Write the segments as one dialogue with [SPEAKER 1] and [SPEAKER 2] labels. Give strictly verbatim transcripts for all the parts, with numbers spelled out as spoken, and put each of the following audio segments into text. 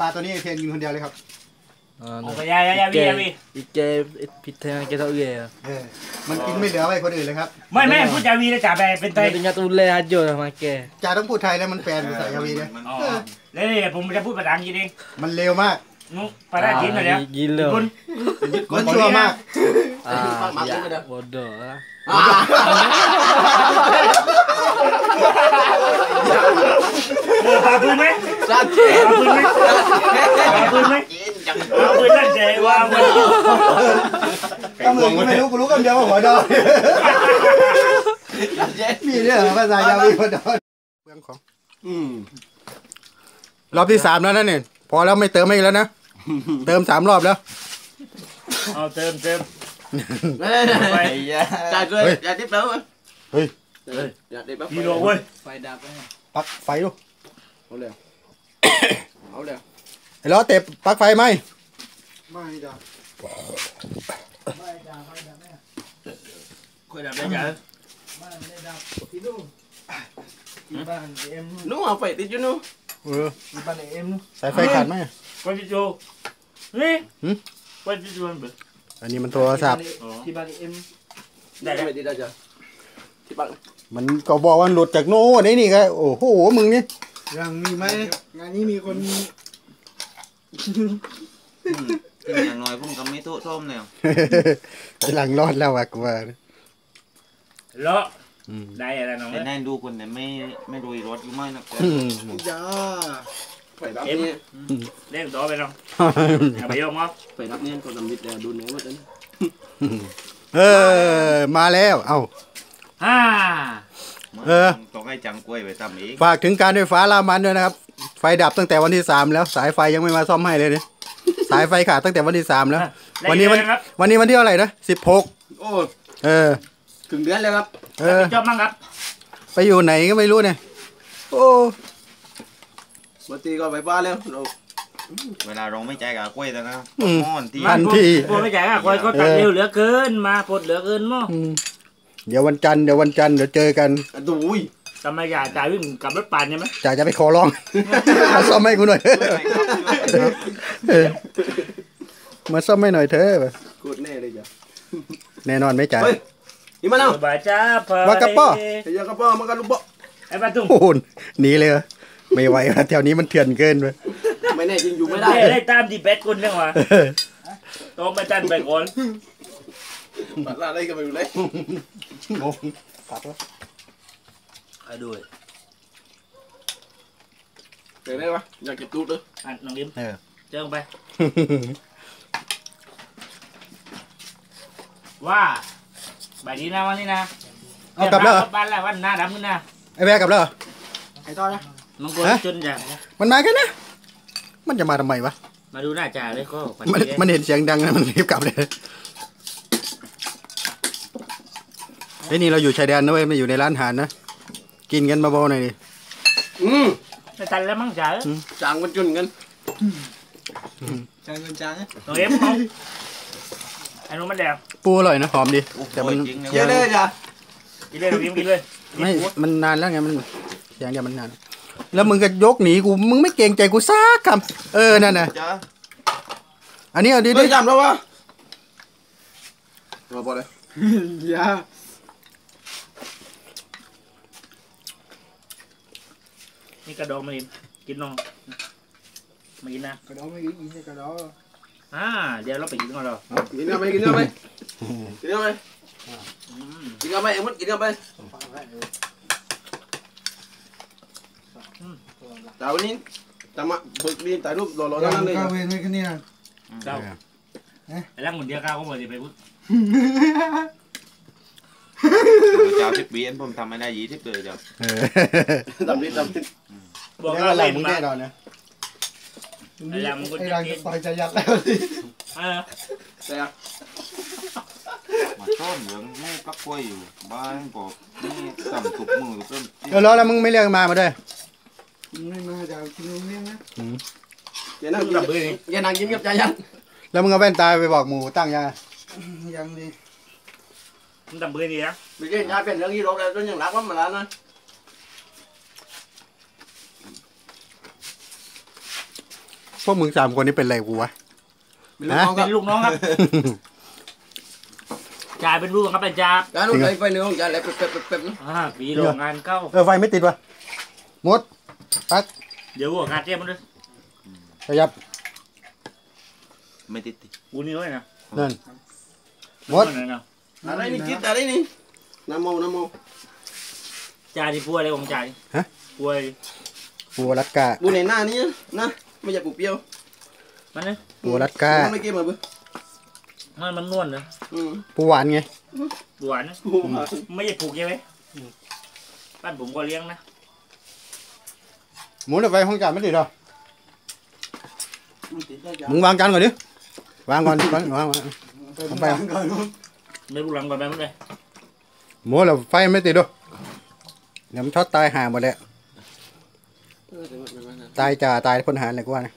[SPEAKER 1] ปลาตัวนี้เพียงกินคนเดียวเลยครับ
[SPEAKER 2] โอ้ยยายยายพี่ยายพี่
[SPEAKER 3] อีเจผิดแทงเกตเอาเย่
[SPEAKER 1] มันกินไม่เหลือไว้คนอื่นเลยครับ
[SPEAKER 2] ไม่ไม่พูดยาวีเลยจ่าไปเป็นไทย
[SPEAKER 3] เป็นยาตุเล่ฮัจโจทำไมแก
[SPEAKER 1] จ่าต้องพูดไทยแล้วมันแปลภาษายาวีเลย
[SPEAKER 2] แล้วนี่ผมจะพูดภาษาอังกฤษเอง
[SPEAKER 1] มันเร็วมาก
[SPEAKER 2] นุ๊กภาษาจีนเลย
[SPEAKER 3] ยินเลย
[SPEAKER 1] มันชัวร์มาก
[SPEAKER 3] อ่าโบดนะ
[SPEAKER 2] พาปืนไหมพาปืนไหมพาปืนไหมพาปืนนั่นใจว่ามัน
[SPEAKER 1] ก็มึงไม่รู้กูรู้คำเดียวว่าหัวดอนมีเรื่องภาษายาวีหัวดอนเรื่องของรอบที่สามแล้วนั่นเนี่ยพอแล้วไม่เติมไม่แล้วนะเติมสามรอบแล้ว
[SPEAKER 2] เอาเติมเติม
[SPEAKER 4] ไปจ่ายเลยอย่าติ๊บแล้ว
[SPEAKER 1] เฮ้ย
[SPEAKER 4] อย่าติ๊บแล้ว
[SPEAKER 2] กิโลเว้ย
[SPEAKER 4] ไฟดับไป
[SPEAKER 1] ปักไฟดู
[SPEAKER 4] เอาเลยเอาเลย
[SPEAKER 1] ไอ้ล้อเตะปักไฟไหม
[SPEAKER 4] ไม่ดับ
[SPEAKER 2] ไม่ดับไม่ดับแม่ค่อยดับได้ยังไม่ได้ดับที่นู่นที่บ้านเอ็ม
[SPEAKER 4] นู้เอาไฟติดอยู่นู้
[SPEAKER 1] เออ
[SPEAKER 2] ที่บ้านเอ็มนู้
[SPEAKER 1] สายไฟขาดไหม
[SPEAKER 2] ไฟติดอยู่นี่ไฟติดอยู่มันเบิด
[SPEAKER 1] อันนี้มันโทรศัพท์
[SPEAKER 2] ที่บ้านเอ็ม
[SPEAKER 4] ได้ไหมติดได้จ้ะที่บ้าน
[SPEAKER 1] มันก็บอกว่าหลุดจากโน่นนี่ก็โอ้โหมึงนี่
[SPEAKER 4] ยังมีไหมงานนี้มีคน
[SPEAKER 5] อย่างน้อยผมก็ไม่โทษท่อมแนว
[SPEAKER 1] หลังรอดแล้วอะกูว่า
[SPEAKER 2] เลาะได้อะไรน้อง
[SPEAKER 5] แต่แน่นดูคนแต่ไม่ไม่โดยรถอยู่ไม่นะ
[SPEAKER 4] จ้าไปรับ
[SPEAKER 2] เนี่ยเล่นต่อไปน้องไปยกมั้ง
[SPEAKER 4] ไปรับเนี่ยก็ทำวิทย์ดูเนื้อหมดเลย
[SPEAKER 1] เออมาแล้วเอ้า
[SPEAKER 2] ฮ่า
[SPEAKER 1] เออ
[SPEAKER 5] ต้องให้จังกล้วยไปทำเอง
[SPEAKER 1] ฝากถึงการไฟฟ้ารามันด้วยนะครับไฟดับตั้งแต่วันที่สามแล้วสายไฟยังไม่มาซ่อมให้เลยเนี่ยสายไฟขาดตั้งแต่วันที่สามแล้ววันนี้วันวันนี้วันที่เท่าไหร่นะสิบหก
[SPEAKER 4] โอ้
[SPEAKER 1] เออ
[SPEAKER 4] ถึงเดือนแล้วครับ
[SPEAKER 1] เออ
[SPEAKER 2] จบมั้งครับ
[SPEAKER 1] ไปอยู่ไหนก็ไม่รู้เนี่ยโอ้
[SPEAKER 4] วันที่ก็ไปบ้านแล้ว
[SPEAKER 5] เวลาเราไม่ใจกับกล้วยแล้วนะม่อน
[SPEAKER 1] ที่ทันที
[SPEAKER 2] พวกไม่ใจกับกล้วยก็ตัดเร็วเหลือเกินมาปลดเหลือเกินมั้ง
[SPEAKER 1] เดี๋ยววันจันทร์เดี๋ยววันจันทร์เดี๋ยวเจอกัน
[SPEAKER 4] ดูย
[SPEAKER 2] ทำไมจ่าจ่าวิ่งกับรถปั่นใช่ไหม
[SPEAKER 1] จ่าจะไปขอร้องมาซ่อมให้กูหน่อยมาซ่อมให้หน่อยเถอะ
[SPEAKER 4] กูแน่เลยจ้ะ
[SPEAKER 1] แน่นอนไหมจ่า
[SPEAKER 4] อีมาแล้ว
[SPEAKER 2] บาจ้าพอ
[SPEAKER 1] ว่ากระป๋อ
[SPEAKER 4] ไอ้ยากระป๋อมันก็ลูกป๋อ
[SPEAKER 2] ไอ้ปลาตุ้ง
[SPEAKER 1] โอ้โหหนีเลยไม่ไหวแถวนี้มันเถื่อนเกินไป
[SPEAKER 4] ไม่แน่จริงอยู่ไม่ได้
[SPEAKER 2] ได้ตามดีเบตคนเรื่องวะต้องมาจันไปก่อน
[SPEAKER 4] ปัดลาได้ก็ไม่รู้เลย
[SPEAKER 1] งงปัดวะ
[SPEAKER 2] ใครด้วย
[SPEAKER 4] เดี๋ยวได้ปะอยากเก็บตู้ด้วย
[SPEAKER 2] อ่ะน้องยิ้มเจอไปว่าใบนี้นะวันนี้นะ
[SPEAKER 1] เอากลับแล้ว
[SPEAKER 2] บ้านแล้ววันหน้าดำขึ้นนะ
[SPEAKER 1] ไอ้แม่กลับแล้ว
[SPEAKER 4] ไอ้ต้อนะ
[SPEAKER 2] มังกรจนอย่าง
[SPEAKER 1] มันมาแค่นะมันจะมาทำไมวะ
[SPEAKER 2] มาดูหน้าจ่าเลยก็
[SPEAKER 1] มันมันเห็นเสียงดังนะมันรีบกลับเลยไอ้นี่เราอยู่ชายแดนนะเว้ยไม่อยู่ในร้านอาหารนะกินกันเบาๆหน่อยดิ
[SPEAKER 4] อืม
[SPEAKER 2] จะตันแล้วมั้งจ่า
[SPEAKER 4] จางกันจุนกันจางกันจาง
[SPEAKER 2] ตัวเอ็มเขาไอ้นู้นมันแดง
[SPEAKER 1] ปูอร่อยนะหอมดีแต่มัน
[SPEAKER 4] เยอะเลยจ้ะ
[SPEAKER 2] กินเลยกินกินเลย
[SPEAKER 1] ไม่มันนานแล้วไงมันเสียงเดียวมันนานแล้วมึงก็ยกหนีกูมึงไม่เกรงใจกูซักคำเออนั่นน่ะอันนี้เอาดี
[SPEAKER 4] ดิจำแล้ววะมาพอเลยยา
[SPEAKER 2] นี่กระดองมากินกินน้องมากินนะ
[SPEAKER 4] กระดองไม่กินกินกระดอง
[SPEAKER 2] อ่าเดี๋ยวเราไปกินกันเรา
[SPEAKER 4] กินกันไปกินกันไปกินกันไปกินกันไปเอ็มดกินกันไปแต่วันนี้จะมาบึกดีถ่ายรูปรอๆนั่นเลย
[SPEAKER 6] ก้าวเวรไม่แค่นี้นะ
[SPEAKER 2] เจ้าไอ้ร่างหมุนเดียวก้าวก็หมดสิไปพูด
[SPEAKER 5] เจ้าทิพย์บีเอ็นผมทำไม่ได้ยี่ทิพย์เลยเจ้า
[SPEAKER 4] ทำนิดทำนิด
[SPEAKER 2] บอกว่าเล่นมา
[SPEAKER 6] ไอ้ยังมึงไอ้ยังต่อยจะยัดแล้วสิ
[SPEAKER 2] เออ
[SPEAKER 4] แต่
[SPEAKER 5] มาต้นเหลืองไม่ปักกล้วยอยู่บ้านก็นี่สั่งตุกมือตุกต้น
[SPEAKER 1] เออแล้วแล้วมึงไม่เรียกมามาด้วย
[SPEAKER 6] ไม่มาจะกินเลี้ยงนะ
[SPEAKER 4] อย่านั่งยิ้มอย่านั่งยิ้มกับใจยัน
[SPEAKER 1] แล้วมึงเอาแว่นตาไปบอกหมูตั้งยัง
[SPEAKER 6] ยังดี
[SPEAKER 2] มึงทำเบื่อดีนะ
[SPEAKER 4] ไม่ใช่ยาเป็นเรื่องยี่โรคเลยจนยังรักว่ามันแล้วนะ
[SPEAKER 1] พวกมึงสามคนนี้เป็นไรกูวะ
[SPEAKER 2] เป็นลูกน้องครับจ่าเป็นลูกครับอาจารย์
[SPEAKER 4] การนู้นไปเนื้อของจ่าแล้วเป๊ะเป๊ะเป๊ะนะ
[SPEAKER 2] อ่าปีโรงงานเก้า
[SPEAKER 1] เออไฟไม่ติดวะมดปัก
[SPEAKER 2] เดี๋ยวหัวงานเตี้ยมันด้วย
[SPEAKER 1] ขยับ
[SPEAKER 5] ไม่ติดติด
[SPEAKER 2] กูนี่ด้วยนะ
[SPEAKER 1] นั่นมด
[SPEAKER 4] อะไรนี่คิดอะไรนี่น้ำโมน้ำโม
[SPEAKER 2] จ่าที่ป่วยอะไรของจ่าป่วย
[SPEAKER 1] ปูรัดกา
[SPEAKER 4] ปูในหน้านี้นะไม่อยากปูเปรี้ยว
[SPEAKER 2] มันเนี่ย
[SPEAKER 1] ปูรัดกา
[SPEAKER 4] ไม่เก็บมาเบ้อ
[SPEAKER 2] มันมันนวลเลย
[SPEAKER 1] ปูหวานไง
[SPEAKER 2] หวานนะไม่ใช่ปลูกใช่ไหมบ้านผมก็เลี้ยงนะ
[SPEAKER 1] หมุนไปห้องจานไม่ติดหรอมึงวางจานก่อนดิวางก่อนวางวางวางไป
[SPEAKER 2] ไม่รู้หลังก่อนไปมั้งเลย
[SPEAKER 1] หมุนแล้วไฟไม่ติดด้วยเดี๋ยวมันช็อตตายห่าหมดแล้วตายจ่าตายพลทหารอะไรกูว่านะ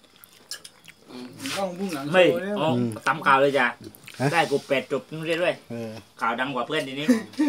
[SPEAKER 2] ไม่อ๋อตำข่าวเลยจ้ะได้กูเป็ดจบนู่นเรื่อย
[SPEAKER 1] เออ
[SPEAKER 2] ข่าวดังกว่าเพื่อนทีนี้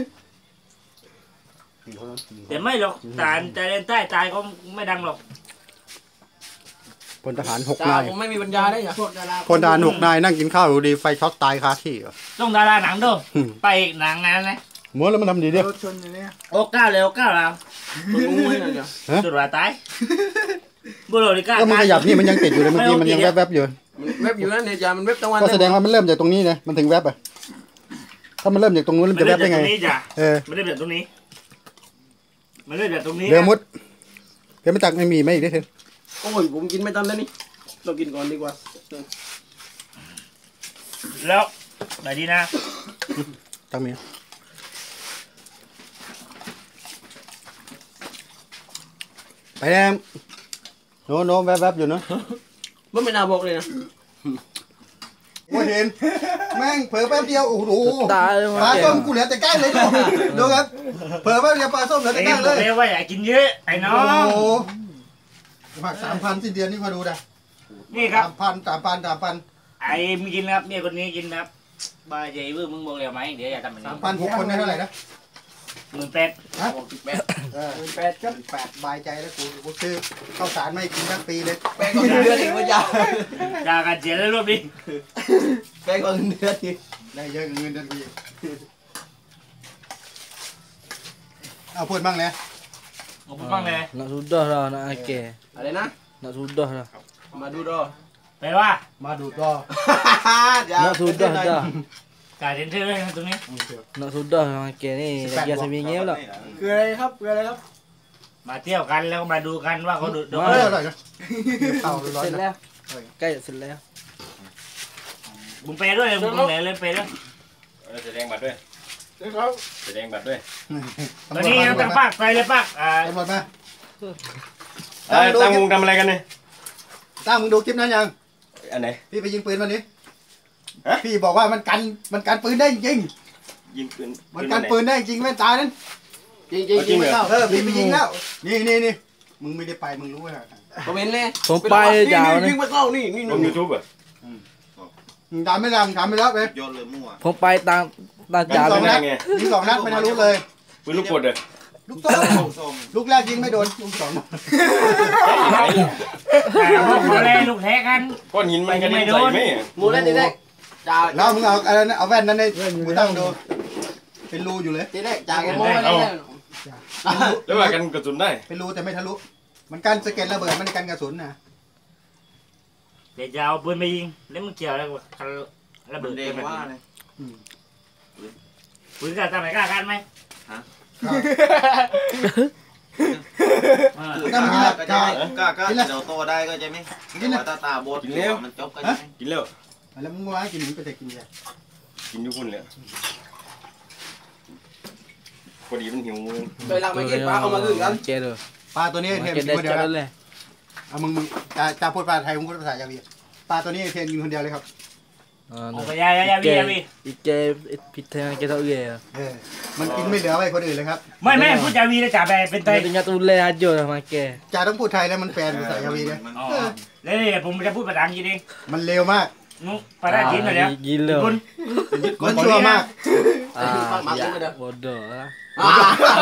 [SPEAKER 2] แต่ไม่หรอกตายใจเล่นใต้ตายก็ไม่ดังหรอก
[SPEAKER 1] พลทหารหก
[SPEAKER 4] จ่าน
[SPEAKER 1] าย
[SPEAKER 4] ผมไม่มีปัญญาได้ยัง
[SPEAKER 1] พลทหารหกนายนั่งกินข้าวอยู่ดีไฟช็อตตายคาที่เหรอ
[SPEAKER 2] ต้องดาราหนังด้วยไปหนังงานนะ
[SPEAKER 1] หมุนแล้วมันทำดีดิ
[SPEAKER 2] โอ้ก้าวเลยโอ้ก้าวแล้ว
[SPEAKER 4] ตัวงูให้หน่อยจ้ะ
[SPEAKER 2] สุดว่าตายบุรุษที่กล้า
[SPEAKER 1] ก็มันขยับนี่มันยังติดอยู่เลยเมื่อกี้มันยังแวบๆอยู่
[SPEAKER 4] เว็บอยู่นั่นเนี่ยจ่ามันเว็บตะวัน
[SPEAKER 1] ก็แสดงว่ามันเริ่มจากตรงนี้นะมันถึงแวบอ่ะถ้ามันเริ่มจากตรงนู้นมันจะแวบได้ไง
[SPEAKER 2] มันเริ่มจากตรงนี้จ้ะ
[SPEAKER 1] เออ
[SPEAKER 2] มันเริ่มจากตรงนี้มันเริ่มจากตรงนี้
[SPEAKER 1] เรือมุดเรือมาตักไม่มีไหมอีกได้เถอะ
[SPEAKER 4] โอ้ยผมกินไม่ทันแล้วนี่เรากินก่อนดีกว่า
[SPEAKER 2] แล้วไหนดีนะ
[SPEAKER 1] ตักมีไปแล้วโน้โน้แวบๆอยู่เนาะ
[SPEAKER 4] มันไม่น่าบอกเลยนะ
[SPEAKER 1] โอ้เห็นแม่งเผลอแป๊บเดียวโอ้โห
[SPEAKER 3] ตายเลย
[SPEAKER 1] ปลา
[SPEAKER 3] มาเก
[SPEAKER 1] ส้มกูเหลือแต่ก้างเลยดูดูครับเผลอแป๊บเดียวปลาส้มเหลือ
[SPEAKER 2] ไอ้
[SPEAKER 1] แต่
[SPEAKER 2] นี่
[SPEAKER 1] ก้าง
[SPEAKER 2] บ
[SPEAKER 1] เล
[SPEAKER 2] อก
[SPEAKER 1] ย
[SPEAKER 2] แล้วว่าอย่ากินเยอะไอ้น้อ
[SPEAKER 1] โอ้
[SPEAKER 2] ง
[SPEAKER 1] โหผักสามพันสิ้นเดือนนี่มาดูนะ
[SPEAKER 2] นี่ครับ
[SPEAKER 1] สามพันสามพันสามพัน
[SPEAKER 2] ไอ้มึงกินนะครับเนี่ยคนนี้กินนะครับบาเจเวอร์มึงบอกแล้วไหมเดี๋ยวอย่าทำแบบนี้
[SPEAKER 1] สามพันหกคนได้เท่าไหร่นะ
[SPEAKER 2] หมื่นแปด
[SPEAKER 1] ฮะ
[SPEAKER 4] หกสิบแปด
[SPEAKER 1] เออแปดครับแปดบายใจแล้วกูกูซื้อข้าวสารไม่กินทั้งปีเลย
[SPEAKER 4] แปลงก่อนเดือนอีกว่าจ่า
[SPEAKER 2] จากการเสียแล้วรอบนี้
[SPEAKER 4] แปลงก่อนเดือนอีก
[SPEAKER 1] ได้เยอะเงินเดือนกูอีกเอาพูดบ้างเลย
[SPEAKER 2] ผมพูดบ้างเลย
[SPEAKER 3] nak sudah lah nak akeh
[SPEAKER 4] อะไรนะ
[SPEAKER 3] nak sudah lah
[SPEAKER 4] มาดูรอ
[SPEAKER 2] แปลว่า
[SPEAKER 1] มาดูก็
[SPEAKER 3] nak sudah dah
[SPEAKER 2] การเซ็นเซอร์เลยนะตรงนี้
[SPEAKER 3] nak sudah lah akeh ni lagi seminggu pula
[SPEAKER 4] คืออะไรครับคืออะไรครับ
[SPEAKER 2] มาเที่ยวกันแล้วก็มาดูกันว่าเขาดูดู
[SPEAKER 1] เอออร่อยนะเอาร้อย
[SPEAKER 3] เสร็จ
[SPEAKER 1] นะ
[SPEAKER 3] แล้วใกล้เสร็จแล้ว
[SPEAKER 2] บุ้มเปย์ด้วยบุ้มไหนเลยเปย์ด้วย
[SPEAKER 5] แสดงบัตรด้วยแสดงบัตรด้วย
[SPEAKER 2] ตอนนี้ยังตั้งปากไปเลยปากอ่า
[SPEAKER 1] ตำรวจมา
[SPEAKER 5] ตั้งวงทำอะไรกันเนี่ย
[SPEAKER 1] ตั้งมึงดูคลิปนั้นยัง
[SPEAKER 5] อันไหน
[SPEAKER 1] พี่ไปยิงปืนวันนี้
[SPEAKER 5] ฮะ
[SPEAKER 1] พี่บอกว่ามันกันมันกันปืนได้จริง
[SPEAKER 5] ยิงปืน
[SPEAKER 1] มันกันปืนได้จริงแม่ตานั้น
[SPEAKER 4] จริงจริงจริงไม่เข้า
[SPEAKER 1] เออพี่ไปยิงแล้วนี่นี่นี่มึงไม่ได้ไปมึงรู้ไหม
[SPEAKER 4] คอมเมนต์เลย
[SPEAKER 3] ผมไปยาว
[SPEAKER 4] นี่
[SPEAKER 3] นะ
[SPEAKER 4] ไม่เข้านี่นี่
[SPEAKER 5] ลงยูทูบอ่ะ
[SPEAKER 1] มึงทำไม่ได้มึงทำไม่แล้วไป
[SPEAKER 5] โยนเลยมั่ว
[SPEAKER 3] ผมไปตามตาม
[SPEAKER 1] ยิ
[SPEAKER 3] จ่าง
[SPEAKER 1] สอง
[SPEAKER 3] เลย
[SPEAKER 1] นัดยิงสองนัดไม่ทะลุเลย
[SPEAKER 5] ปืนลูกกดอ่ะ
[SPEAKER 1] ลูกโต้ลูกแรกยิงไม่โดนลูกสอง
[SPEAKER 2] แต่พวกเขาเลยลูกแท้กัน
[SPEAKER 5] ก้อนหินมันกระเด็นใส่ไหม
[SPEAKER 4] มูเล่นทีแรกจ่า
[SPEAKER 1] แล้วมึงเอาอะไรนะเอาแว่นนั้นในมือตั้งดูเป็นรูอยู่เลย
[SPEAKER 4] ทีแรกจ่าแกโม้ไปเลย
[SPEAKER 5] แล้วว่ากันกระสุนได้
[SPEAKER 1] เป็นรูแต่ไม่ทะลุมันกันสะเก็ดระเบิดมันกันกระสุนนะ
[SPEAKER 2] เดี๋ยวจะเอาปืนไปยิงแล้วมึงเกี่ยวอะไรกับคันระเบิดกันแบบนี้ปืนกล้าทำไหนกล้ากันไหม
[SPEAKER 1] ก็มันกินแล้ว
[SPEAKER 5] ก็ก็ก็เดี๋ยวโตได้ก็จะไหมแต่ตาตาบดมันจบก็จะไหมกินแล้ว
[SPEAKER 1] แล้วมึงว่ากินมึงไปแต่กินยา
[SPEAKER 5] กินทุกคนเลยพอดีมันหิวมือ
[SPEAKER 4] เคยลังไม่กินปลาเอามาคืนกัน
[SPEAKER 3] เจอเลย
[SPEAKER 1] ปลาตัวนี้เทม
[SPEAKER 3] เจ
[SPEAKER 1] กิน
[SPEAKER 3] ได้
[SPEAKER 1] คนเดียว
[SPEAKER 3] จัด
[SPEAKER 1] แล้ว
[SPEAKER 3] เลย
[SPEAKER 1] เอามึงมึงจะจะพูดภาษาไทยมึงพูดภาษายาวีปลาตัวนี้เทมกินคนเดียวเลยครับ
[SPEAKER 3] อ่า
[SPEAKER 2] โอ้ยยายายาวียาวี
[SPEAKER 3] อีเจพิเทนเกตเอาเยอะ
[SPEAKER 1] เออมันกินไม่เหลือไว้คนอื่นเลยครับ
[SPEAKER 2] ไม่ไม่พูดยาวีนะจ่าไปเป็นไทย
[SPEAKER 3] Tinggal tulis aja lah makan.
[SPEAKER 1] จ่าต้องพูดไทยแล้วมันแปลภาษายาวีเนี่ย
[SPEAKER 2] อ๋อแล้วนี่ผมจะพูดภาษาอังกฤษเอง
[SPEAKER 1] มันเร็วมาก
[SPEAKER 2] นุ๊กภาษาจีนหน่อยเดี๋ยว
[SPEAKER 3] Gila.
[SPEAKER 2] คุณ
[SPEAKER 1] มันชั่วมาก
[SPEAKER 3] Ah, ya. Bodoh lah.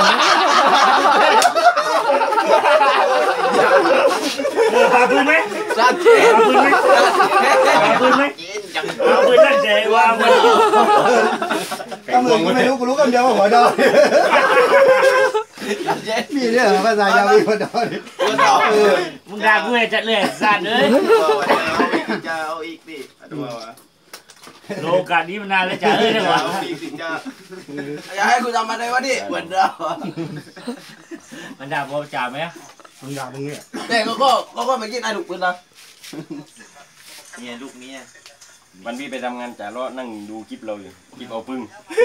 [SPEAKER 2] เออพาพูดไหม
[SPEAKER 4] ซาเจ๊
[SPEAKER 2] เอาปืนไหมเอาปืนไหมเอาปืนนั่นเจ๊ว่ามัน
[SPEAKER 1] ก็มือกูไม่รู้กูรู้กันเดียวว่าหัวดอนมีเนี่ยเหรอภาษายาวีหัวดอน
[SPEAKER 4] ตัวต่อเออ
[SPEAKER 2] มึงด่ากูเลยจัดเลยสั่นเลย
[SPEAKER 5] จะเอาอีกดิดูว่า
[SPEAKER 2] โลกาสนี้มันนานแล้วจ้าเอ้ยเนี่ยวะ
[SPEAKER 5] เอาอีกสิจ้า
[SPEAKER 4] อย่าให้กูจำมาได้วะดิเหมือนเดิม
[SPEAKER 2] มันด่าพอจ่าไหม
[SPEAKER 1] มึงด่ามึงเนี่ย
[SPEAKER 4] แต่ก็ก็ก็ก็ไม่กินไอ้ลูกปืนนะ
[SPEAKER 5] เนี่ยลูกนี้
[SPEAKER 7] วันพี่ไปทำงานจ่าล้อนั่งดูคลิปเราอยู่คลิปเอาพึ่ง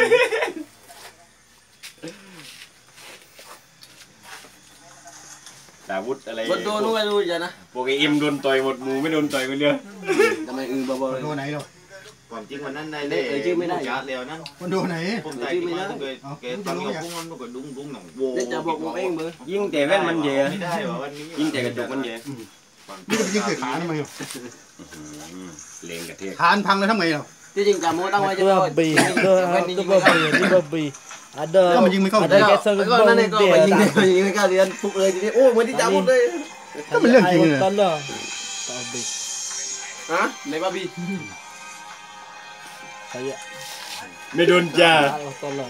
[SPEAKER 7] ดาวุธอะไร
[SPEAKER 4] บนตัวนู้นไม่รู้จ้ะนะ
[SPEAKER 7] พวกไอเอ็มโดนต่อยหมดหมูไม่โดนต่อยคนเดียว
[SPEAKER 4] ทำไมอือบ่บ่เลย
[SPEAKER 1] โดนไหนเนาะ
[SPEAKER 5] ความจริงวันนั้นในเล่จัดแล้วนั่น
[SPEAKER 1] มันโดนไหน
[SPEAKER 5] ผมใจที่มาเลยแกตั้งยกพุ่งมันก็ดุ้งดุ้งหนังโว้
[SPEAKER 4] เด็กจะบอกผมเองมือ
[SPEAKER 7] ยิงแต่แว่นมันเย่
[SPEAKER 5] ไม่ได้ว่าวันนี้
[SPEAKER 7] ยิงแต่กระจกมันเย่
[SPEAKER 1] นี่จะไปยิงเสียขาทำไม
[SPEAKER 7] เลงกระเทศ
[SPEAKER 1] ขานพังเลยทำไงเนาะ
[SPEAKER 4] ที่จริงจำโมตั้งไว้จะ
[SPEAKER 3] Itu babi. Itu itu babi. Ini babi. Ada.
[SPEAKER 1] Kau menjing kau.
[SPEAKER 3] Ada kesan
[SPEAKER 4] ก็นั่นเองก็ไปยิงเลยยิงไม่กล้าเรียนปุ๊บเลยทีนี้โอ้เหมือนที่จำหมดเลย
[SPEAKER 1] ก็เป็นเรื่องจริงเลย
[SPEAKER 3] Tolong. Babi.
[SPEAKER 4] ฮะในบ้าบี
[SPEAKER 3] Saya.
[SPEAKER 7] ไม่โดนจ่า
[SPEAKER 3] Allah tolong.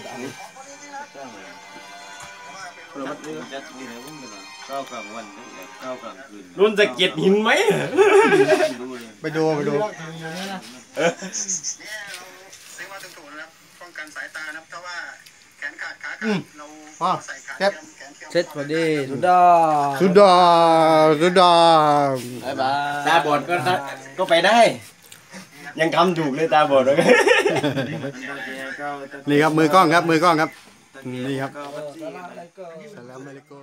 [SPEAKER 5] จัดนี่นะพุ่งกันก้าวกลางวันก้าวกลางคืน
[SPEAKER 7] โดนสะเก็ดหินไหม
[SPEAKER 1] ไปดูไปดู
[SPEAKER 8] เรียกว่าถูกๆนะครับป้องกันสายตานะครับถ้าว่าแขนขาดขาขาดเราใส่ขาเทียมแขนเทียม
[SPEAKER 3] Set tadi. Sudah.
[SPEAKER 1] สุดาสุดา
[SPEAKER 4] บายบาย
[SPEAKER 7] ตาบอดก็ก็ไปได้ ยังทำถูกเลยตาบอดเลย
[SPEAKER 1] นี่ครับมือกล้องครับมือกล้องครับนี่ครับ
[SPEAKER 8] Assalamualaikum.
[SPEAKER 1] สลามอะลัยกุม